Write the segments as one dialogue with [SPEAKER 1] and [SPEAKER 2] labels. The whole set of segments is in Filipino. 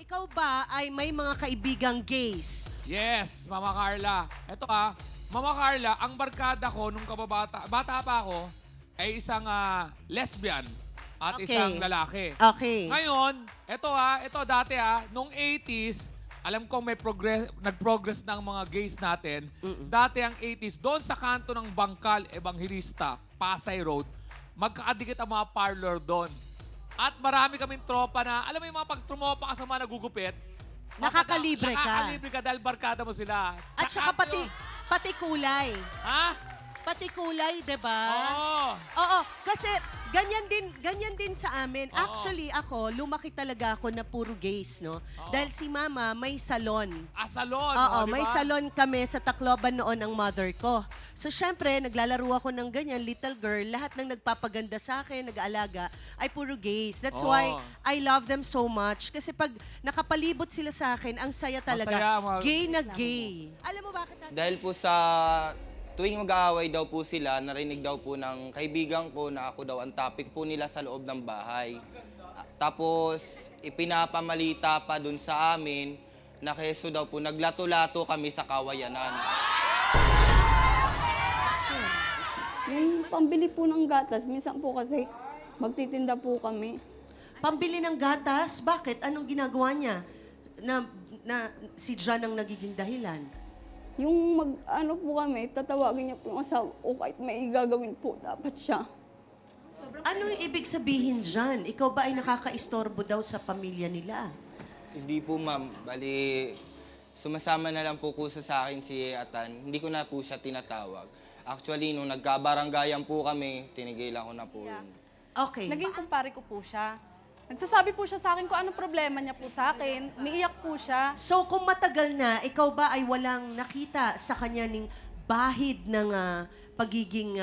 [SPEAKER 1] ikaw ba ay may mga kaibigang gays?
[SPEAKER 2] Yes, Mama Carla. Ito Mama Carla, ang barkada ko nung bata pa ako, ay isang lesbian at
[SPEAKER 1] Okay.
[SPEAKER 2] isang lalaki.
[SPEAKER 1] Okay.
[SPEAKER 2] Ngayon, ito dati nung 80s, alam kong may nag-progress ng mga gays natin. Dati ang 80s, doon sa kanto ng Bangkal, Evangelista, Pasay Road, magkakadikit ang mga parlor doon. At marami kaming tropa na, alam mo yung mga pag-trumopa ka sa mga nagugupit,
[SPEAKER 1] Nakakalibre ka.
[SPEAKER 2] Nakakalibre ka dahil barkada mo sila.
[SPEAKER 1] At saka pati kulay.
[SPEAKER 2] Ha?
[SPEAKER 1] Pati kulay, 'di ba?
[SPEAKER 2] Oo.
[SPEAKER 1] Oo, kasi ganyan din sa amin.
[SPEAKER 2] Oo.
[SPEAKER 1] Actually, ako, lumaki talaga ako na puro gays, no? Dahil si mama may salon.
[SPEAKER 2] Salon.
[SPEAKER 1] Oo,
[SPEAKER 2] di
[SPEAKER 1] may
[SPEAKER 2] ba?
[SPEAKER 1] salon kami sa Tacloban noon ang mother ko. So, syempre, naglalaro ako ng ganyan, little girl. Lahat ng nagpapaganda sa akin, nag-aalaga, ay puro gays. That's
[SPEAKER 2] Oo.
[SPEAKER 1] why I love them so much. Kasi pag nakapalibot sila sa akin, ang saya talaga.
[SPEAKER 2] Masaya,
[SPEAKER 1] Gay na gay. Alam mo bakit natin?
[SPEAKER 3] Dahil po sa tuwing mag-aaway daw po sila, narinig daw po ng kaibigan ko na ako daw ang topic po nila sa loob ng bahay. Tapos, ipinapamalita pa dun sa amin na keso daw po, naglato-lato kami sa kawayanan.
[SPEAKER 4] Yung pambili po ng gatas, minsan po kasi magtitinda po kami.
[SPEAKER 1] Pambili ng gatas? Bakit? Anong ginagawa niya? Na si John ang nagiging dahilan?
[SPEAKER 4] Yung ano po kami, tatawagin niya po yung asawa ko kahit may gagawin po, dapat siya.
[SPEAKER 1] Ano yung ibig sabihin dyan? Ikaw ba ay nakakaistorbo daw sa pamilya nila?
[SPEAKER 3] Hindi po ma'am, bali sumasama na lang po kusa sa akin si Atan. Hindi ko na po siya tinatawag. Actually, nung nagkabaranggayan po kami, tinigilan ko na po yun.
[SPEAKER 1] Okay.
[SPEAKER 5] Naging kumpare ko po siya. Nagsasabi po siya sa akin kung anong problema niya po sa akin. Umiiyak po siya.
[SPEAKER 1] So kung matagal na, ikaw ba ay walang nakita sa kanya ning bahid ng pagiging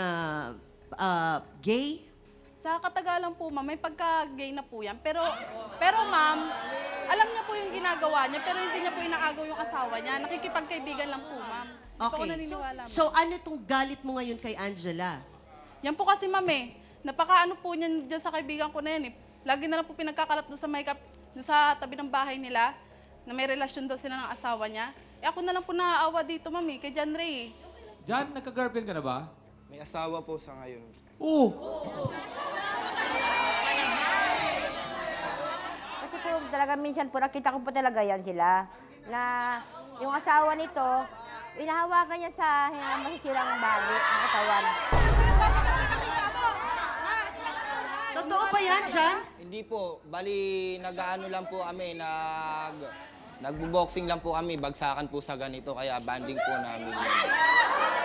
[SPEAKER 1] gay?
[SPEAKER 5] Sa katagalan po, ma'am, may pagka-gay na po yan. Pero ma'am, alam niya po yung ginagawa niya, pero hindi niya po inaagaw yung asawa niya. Nakikipagkaibigan lang po, ma'am. Hindi po ako
[SPEAKER 1] Okay.
[SPEAKER 5] naniniwala, ma'am.
[SPEAKER 1] So ano tong galit mo ngayon kay Angela?
[SPEAKER 5] Yan po kasi, ma'am, napakaano po niyan dyan sa kaibigan ko na yan, Lagi na lang po pinagkakalat doon sa makeup, doon sa tabi ng bahay nila, na may relasyon daw sila ng asawa niya. Ako na lang po naaawa dito, ma'am, kay John Ray.
[SPEAKER 2] Jan, nagka-girlfriend ka na ba?
[SPEAKER 3] May asawa po sa ngayon.
[SPEAKER 2] Oo.
[SPEAKER 6] Kasi po talaga minsan po nakita ko po talaga yan sila. Na yung asawa nito, inahawakan niya sa masisirang bagay ang katawan.
[SPEAKER 1] Totoo ba yan, John?
[SPEAKER 3] Hindi po, bali nag-aano lang po kami, nagbo-boxing lang po kami, bagsakan po sa ganito, kaya banding po namin.